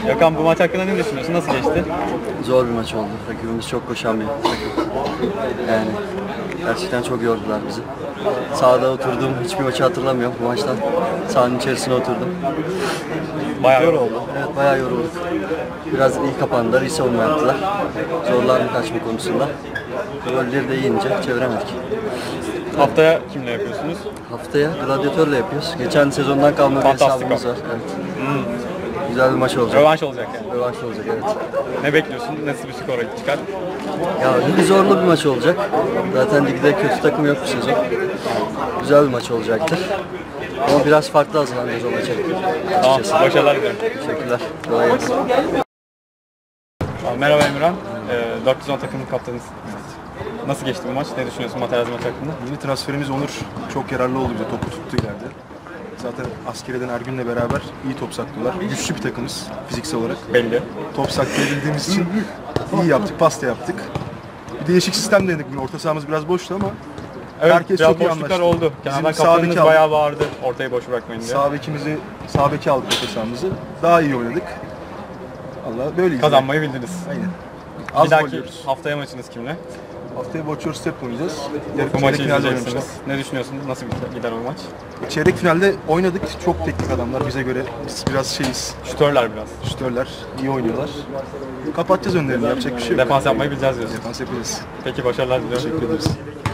Gökhan, bu maç hakkında ne düşünüyorsun? Nasıl geçti? Zor bir maç oldu. Rakibimiz çok koşan bir takım. Yani gerçekten çok yordular bizi. Sahada oturduğum hiçbir maçı hatırlamıyorum bu maçtan. Sahanın içerisine oturdum. Bayağı yoruldu. Evet, bayağı yorulduk. Biraz iyi kapandılar, iyi savunma yaptılar. Zorlandık kaçma konusunda. Golleri de yiyince çeviremedik. Haftaya kimle yapıyorsunuz? Haftaya gladyatörle yapıyoruz. Geçen sezondan kalma bir Fantastik hesabımız var. Evet. Güzel bir maç olacak. Rövanş olacak yani. Rövanş olacak, evet. Ne bekliyorsun? Nasıl bir skor çıkar? Ya ligi zorlu bir maç olacak. Zaten ligde kötü takım yok bu sezon. Güzel bir maç olacaktır. Ama biraz farklı hazırlanıyoruz o maça. Tamam, başarılar dilerim. Teşekkürler. Kolay gelsin. Merhaba Emirhan. 410 takımın kaptanısın. Nasıl geçti bu maç? Ne düşünüyorsun Materazzi maç hakkında? Yeni transferimiz Onur çok yararlı oldu bize. Topu tuttu ileride. Zaten askeriyeden Ergün'le beraber iyi top saklıyorlar. Güçlü bir takımız fiziksel olarak. Belli. Top saklayabildiğimiz için iyi yaptık, pasta yaptık. Bir değişik sistem denedik bugün. Orta sahamız biraz boştu ama Evet, herkes biraz çok iyi boşluklar anlaştı. oldu. Bizim Kenardan sağ kaptanınız beki aldık. bayağı bağırdı ortayı boş bırakmayın diye. Sağ beki aldık orta sahamızı. Daha iyi oynadık. Allah böyleyiz. Kazanmayı bildiniz. Aynen. Bir Az gol dahaki yiyoruz. haftaya maçınız kimle? Haftaya Watch Your Step oynayacağız. Bu maçı Çeyrek finalde izleyeceksiniz. oynamıştık. Ne düşünüyorsunuz? Nasıl gider o maç? Çeyrek finalde oynadık. Çok teknik adamlar bize göre. Biz biraz şeyiz. Şütörler biraz. Şütörler iyi oynuyorlar. Kapatacağız önlerini, yapacak bir şey yok. Defans yapmayı bileceğiz diyorsun. Defans yapacağız. Peki, başarılar diliyorum. Teşekkür ederiz.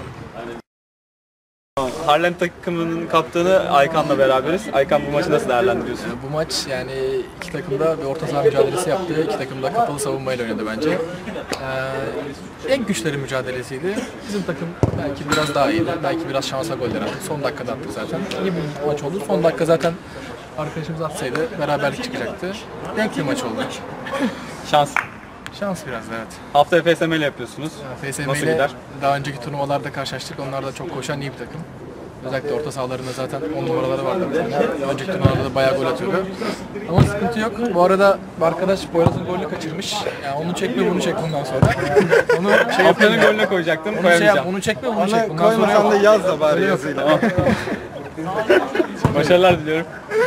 Harlem takımının kaptanı Aykan'la beraberiz. Aykan, bu maçı nasıl değerlendiriyorsun? Bu maç yani iki takım da bir orta saha mücadelesi yaptı. İki takım da kapalı savunmayla oynadı bence. En güçleri mücadelesiydi. Bizim takım belki biraz daha iyiydi. Belki biraz şansa goller attık. Son dakikada attık zaten. İyi bir maç oldu. Son dakika zaten arkadaşımız atsaydı beraberlik çıkacaktı. Denk bir maç oldu. Şans. Şans biraz da, evet. Haftaya FSM ile yapıyorsunuz. FSM Nasıl ile gider? daha önceki turnuvalarda karşılaştık. Onlar da çok koşan iyi bir takım. Özellikle orta sahalarında zaten 10 numaraları vardı. Önceki turnuvalarda da bayağı gol atıyordu. Ama sıkıntı yok. Bu arada bir arkadaş Boyraz'ın golünü kaçırmış. Yani onu çekme bunu çek bundan sonra. Onu Haftanın golüne koyacaktım, koyamayacağım. onu çekme bunu çek bundan sonra yok. da yaz da bari yazıyla. Başarılar diliyorum.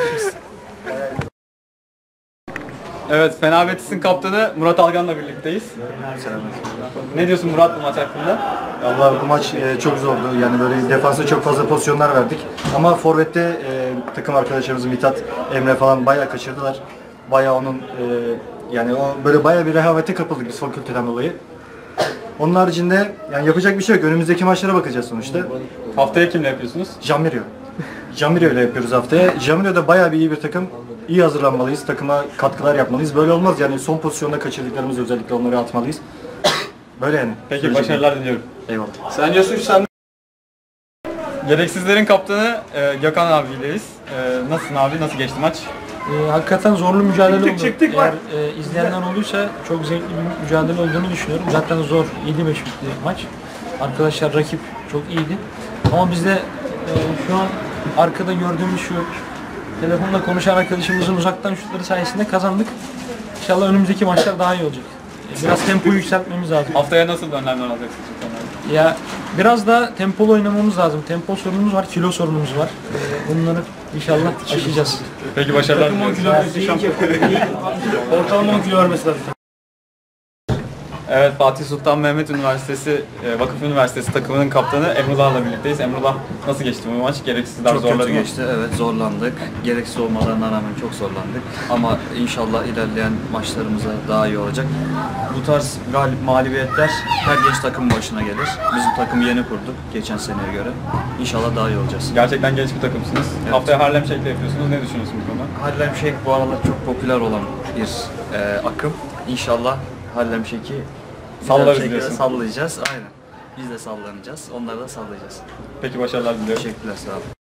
Evet, Fena Betis'in kaptanı Murat Algan'la birlikteyiz. Ne diyorsun Murat bu maç hakkında? Allah, bu maç çok zordu. Yani böyle defansa çok fazla pozisyonlar verdik. Ama forvette takım arkadaşlarımız Mithat, Emre falan bayağı kaçırdılar. Bayağı onun yani o böyle bayağı bir rehavete kapıldık biz fakülteden dolayı. Onun haricinde yani yapacak bir şey yok. Önümüzdeki maçlara bakacağız sonuçta. Haftaya kimle yapıyorsunuz? Jamirio. Jamirio ile yapıyoruz haftaya. Jamirio da bayağı bir iyi bir takım. İyi hazırlanmalıyız. Takıma katkılar yapmalıyız. Böyle olmaz yani, son pozisyonda kaçırdıklarımız özellikle onları atmalıyız. Böyle yani. Peki, başarılar diliyorum. Eyvallah. Sen diyorsun sen... Gereksizlerin kaptanı Gökhan abiyleyiz. Nasılsın abi? Nasıl geçti maç? Hakikaten zorlu mücadele oldu. Eğer izleyenler olduysa çok zevkli bir mücadele olduğunu düşünüyorum. Zaten zor, 7-5 bitti maç. Arkadaşlar, rakip çok iyiydi. Ama biz de şu an arkada gördüğümüz şu telefonla konuşan arkadaşımızın uzaktan şutları sayesinde kazandık. İnşallah önümüzdeki maçlar daha iyi olacak. Biraz tempoyu yükseltmemiz lazım. Haftaya nasıl önlemler alacaksınız? Ya biraz daha tempolu oynamamız lazım. Tempo sorunumuz var, kilo sorunumuz var. Bunları inşallah aşacağız. Peki, başarılar diliyorum. Ortalama 10 kilo vermesi lazım. Evet, Fatih Sultan Mehmet Üniversitesi, Vakıf Üniversitesi takımının kaptanı Emrullah'la birlikteyiz. Emrullah, nasıl geçti bu maç? Gereksizler Çok zorladı kötü mı? geçti, evet, zorlandık. Gereksiz olmalarına rağmen çok zorlandık. Ama inşallah ilerleyen maçlarımızda daha iyi olacak. Bu tarz mağlubiyetler her genç takımın başına gelir. Bizim takımı yeni kurduk geçen seneye göre. İnşallah daha iyi olacağız. Gerçekten genç bir takımsınız. Evet. Haftaya Harlem Shake'le yapıyorsunuz. Ne düşünüyorsunuz bu konuda? Harlem Shake bu aralar çok popüler olan bir akım. İnşallah Harlem Shake'i Sallarız diyorsun. sallayacağız. Aynen. Biz de sallanacağız. Onları da sallayacağız. Peki, başarılar diliyorum. Teşekkürler, sağ olun.